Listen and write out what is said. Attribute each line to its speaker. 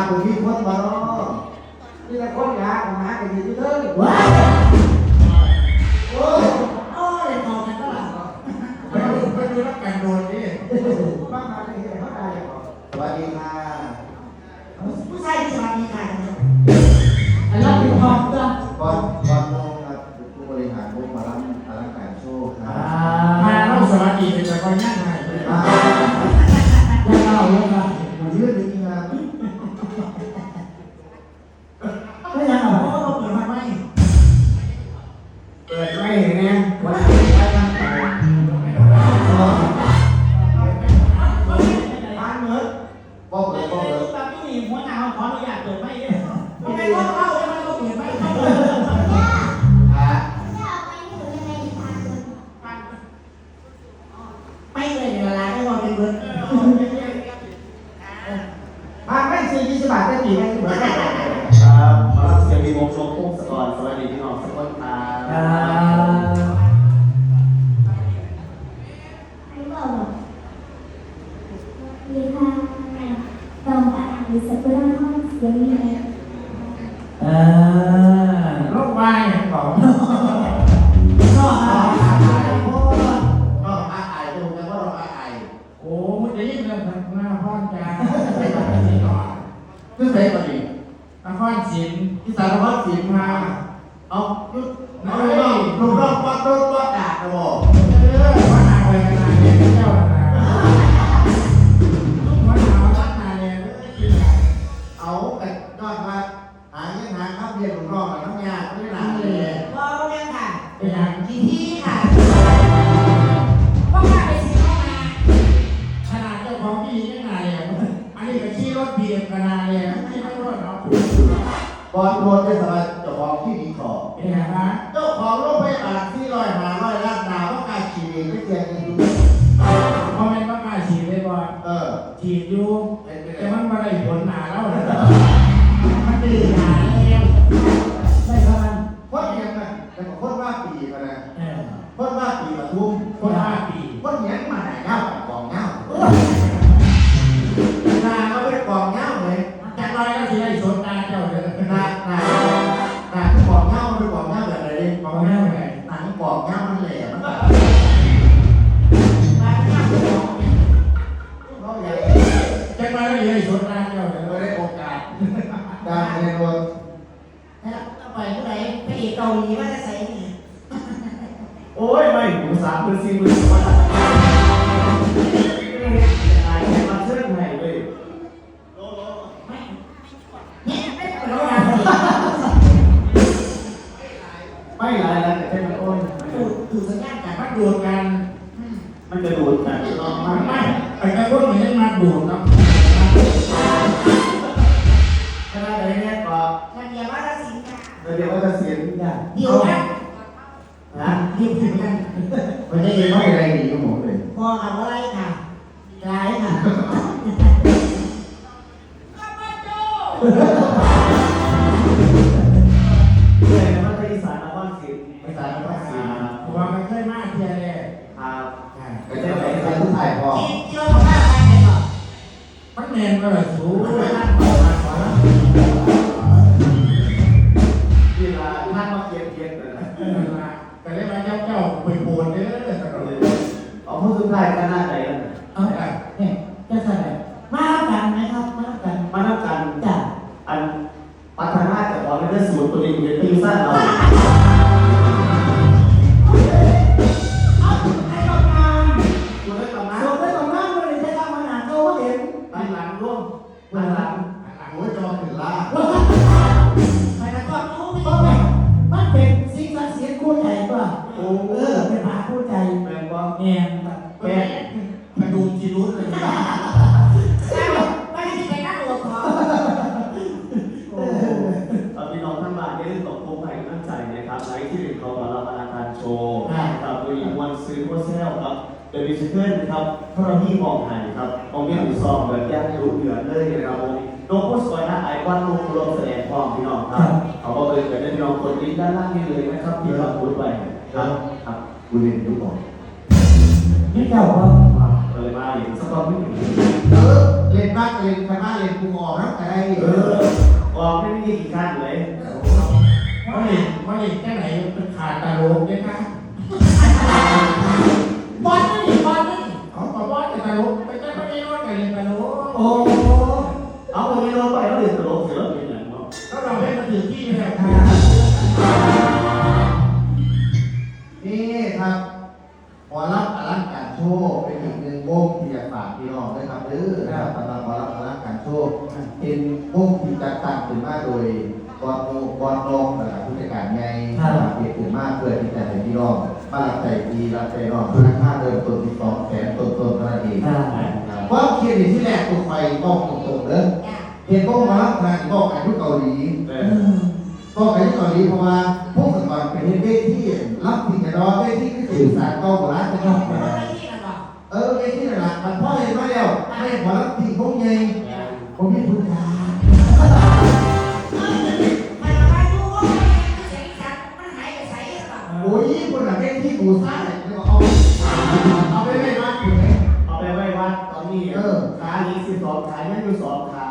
Speaker 1: ตัวพี่คนมาเนาะนี่แหละคนยาของหากันดีที่เด้อว้าโอ้ยเลยมองกันตลอด
Speaker 2: ไปดูนักการโดนนี่
Speaker 1: บ้านมาได้เห็นเขาได้ยังไงสวัสดีค่ะ
Speaker 3: ผู้ชายสวัสดีค่ะ
Speaker 1: อันนั้นเป็นทองจ้ะก่อนโมงครับผู้บริหารวงมาลังอลังการโชว์ครับ
Speaker 2: มาเล่าสวัสดีเป็นคนง่ายง่ายเลย
Speaker 1: ยังเล่าเลยครับมันยืดจริงๆครับ
Speaker 3: ไม่ยังหรอเพราะเราเปิดมาไม่
Speaker 2: เปิดไม่เห็นไงวันนี้ไปทางไหน
Speaker 1: บ้านเมืองบอกเลยบอกเลย
Speaker 3: ตอนที่มีหัวหน้าขออนุญาตเปิดไม่เนี่ยไม่ไม่ต้องเข้าไม่ต้องเปิดไม่เข้าไม่เลยเวลาให้เราเป็นเบิร์ด
Speaker 1: บ้านไม่ซื้อ20 บาทได้กี่ไหมเหมือนกัน
Speaker 4: ครับมารับเสียงดีวงโชว์พุ่งสกอร์สวัสดีพี่น้องทุกคนครับ
Speaker 5: ดีค่ะตองอ่านสักุระห้องเสียงนี้
Speaker 2: โรควายอย่างบอก
Speaker 1: ก็อาอายก็อาอายตรงกันว่าเราอาอาย
Speaker 2: โอ้มันจะยิ่งเรื่องหน้าพ่อนจ้าไม่ต้องไปนี่ก่อน
Speaker 1: คือใส่ก่อนดิ
Speaker 2: นครศรี
Speaker 1: ที่สารพัดสินมาเอาลูกน้องวัดรถวัดดาดนะบอก
Speaker 2: วัดนาไปกันนาเนี่ยเจ้านาวัดนาวัดนาเนี่ย
Speaker 1: เอาแต่ยอดมาหาเงินหาข้าวเพียรลูกน้องกับน้ำยาไม่ได้หนาเลย
Speaker 3: ก็เนี่ยค่ะ
Speaker 2: เป็นอย่าง
Speaker 3: ที่ค่ะว่ามาไปสิเข้ามา
Speaker 2: ขนาดเจ้าของพี่ยังไงอ่ะอันนี้ก็ขี่รถเบียดกันนาเนี่ยไม่ต้องรถเนาะ
Speaker 1: บอลโดนได้สบายเจ้าของที่ดีขอ
Speaker 2: เป็นไงฮะ
Speaker 1: เจ้าของโรงพยาบาลที่100 ล้านดาวว่าการฉีดไม่เตียงกันดู
Speaker 2: เพราะมันว่ากล้าฉีดเลยบ่ฉีดอยู่แต่มันมาได้ผลหนาแล้วมันตื่นหนาแล้วได้ประมาณ
Speaker 1: คนเงี้ยนะแต่คนว่าปีมานะคนว่าปีมาทุ่ม
Speaker 2: คน5 ปี
Speaker 1: คนเงี้ยมาไหนเงากองเงานาก็ไม่ได้กองเงาเลย
Speaker 2: จากไรก็ที่ได้สนตาเจ้าเลย
Speaker 1: นาที่กองเงาไม่กองเงาแบบไหน
Speaker 2: กองเงาไง
Speaker 1: หนังกองเงามันแหลมมัน
Speaker 2: จากไรก็ที่ได้สนตาเจ้าเลย
Speaker 1: ไม่ได้โอกาสการเรียนรู้
Speaker 3: แล้วไปเมื่อไหร่ไปอีกเกาหลีว่าจะใส่เนี่ย
Speaker 4: โอ้ยไม่หมู3 มือ 4 มือว่าอะไรแค่มาเชื่อไหนเลยไม่หลายแล้วแต่แค่มันโอ้ย
Speaker 3: ดูสัญญาณกัน
Speaker 2: มันดูดกัน
Speaker 4: มันจะดูดกัน
Speaker 2: มันไม่ไอ้กระตุ้นมันยังมาดูดเนาะ
Speaker 1: ขณะไหนเนี่ยก็
Speaker 3: มันเดียวว่าจะสินค่ะ
Speaker 1: เดี๋ยวก็จะเสียงอย่าง
Speaker 3: เดียวกัน
Speaker 1: นะ
Speaker 3: เดียวกัน
Speaker 1: มันจะยังไม่อะไรดีก็หมดเลย
Speaker 3: พอเอาอะไรค่ะร้ายค่ะ
Speaker 4: เลยนะว่าที่สารนครศรี
Speaker 1: ไม่ตายไม่ตาย
Speaker 2: ผมว่ามันเคยมากเทียเลย
Speaker 4: ครับ
Speaker 1: ก็จะไหนจะทุกถ่ายพอ
Speaker 3: เกี่ยวกับอะไรก่อน
Speaker 2: มันเนียนก็เลยสูง
Speaker 1: ที่ร้านท่านมาเกียร์เลยนะ
Speaker 2: แต่เรียกว่าเจ้าไปโผล่เด้อแต่ก็เลย
Speaker 1: เอาผู้สุดท้ายกันหน้าไหนกัน
Speaker 3: เอาเนี่ยจะใส่มารับกันไหมครับมารับกัน
Speaker 4: มารับกัน
Speaker 3: จ้ะ
Speaker 4: อันพัฒนาจากความเป็นสูตรตัวนี้เป็นตีสั้นเรา
Speaker 3: ให้กำลัง
Speaker 1: คุณได้กำลัง
Speaker 3: ส่งได้กำลังไม่ได้ใช้กำลังหนาเขาเห็น
Speaker 1: ตั้งหลังร่วมตั้งหลังโอ้ยจอถึงล่า
Speaker 3: ใครนะก็รู้ไม่ต้องแบบมันเป็นสิ่งศักดิ์สิทธิ์คู่ใจป่ะเป็นพระคู่ใจ
Speaker 1: แมงว่า
Speaker 3: แง่
Speaker 1: แม่กระดูกจีรุ้นเลย
Speaker 3: ไม่ได้ไปนั่งหัวคอ
Speaker 4: พี่น้องท่านบ้านได้เรื่องตกลงให้ตั้งใจนะครับไลฟ์ที่1เขามารับอาการโชว์กับโดยวันซื้อโคเซลครับเดอะมิชเคิลครับพระที่มองหายครับมองเงี้ยหูซองแบบย่างรู้เหลือเลยนะครับโลโก้สวยนะไอคอนลูกรวมแสดงความพี่น้องครับเขาก็เลยเป็นพี่น้องคนลิ้นด้านล่างนี่เลยนะครับที่เราพูดไปครับ
Speaker 1: กูเรียนทุกคน
Speaker 3: นี่เจ้าว่า
Speaker 4: เลยมาอย่างสกอร์ไม่ถึง
Speaker 1: เรี
Speaker 3: ล่นบ้านเล่นคณะเล่นกูออกนะอะไร
Speaker 4: ออกไม่มีกี่ขั้นเลย
Speaker 2: มันเล่นแค่ไหนเป็นขาดตาโลกเนี่ยนะบอลนี่เขาบอกว่าจะตาโลกไปแค่ไม่ได้รอดไปเล่นตาโลก
Speaker 3: โอ้
Speaker 4: เอาคนนี้ลงไปแล้วเรียนตลกเสือเป็นอย่างเนาะ
Speaker 2: ก็เราให้มาถึงที่แบบ
Speaker 3: นี่ครับหมอรับอลังการโชว์เป็นอีกหนึ่งวงที่อยากฝากพี่น้องด้วยครับนะครับสำหรับหมอรับอลังการโชว์เป็นวงที่จัดตั้งขึ้นมาโดยกอนโนกอนนงนะครับผู้จัดการใหญ่เปลี่ยนขึ้นมาเพื่อที่จะให้พี่น้องมารับใจดีรับใจน้องราคาเดิมต้นที่200,000ต้นเท่านั้นเองว่าเครดิตที่แรกตัวไฟบอกตรงๆเลยเห็นพวกมารับงานบอกอายุเกาหลีบอกอายุเกาหลีเพราะว่าพวกก่อนเป็นเวทีรับที่จะรอเวทีที่สื่อสารเกาหลีจะต้องเวทีหลักมันพ่อเห็นมาแล้วไม่พอรับที่พวกใหญ่ผมมีคุณค่าโอ้ยคนหลังเวทีบูซ่าเนี่ยเอาไปไม่มากอยู่ไหม
Speaker 4: เอาไปไว้วัดตอนนี้ขานี้12ขายังอยู่2ขา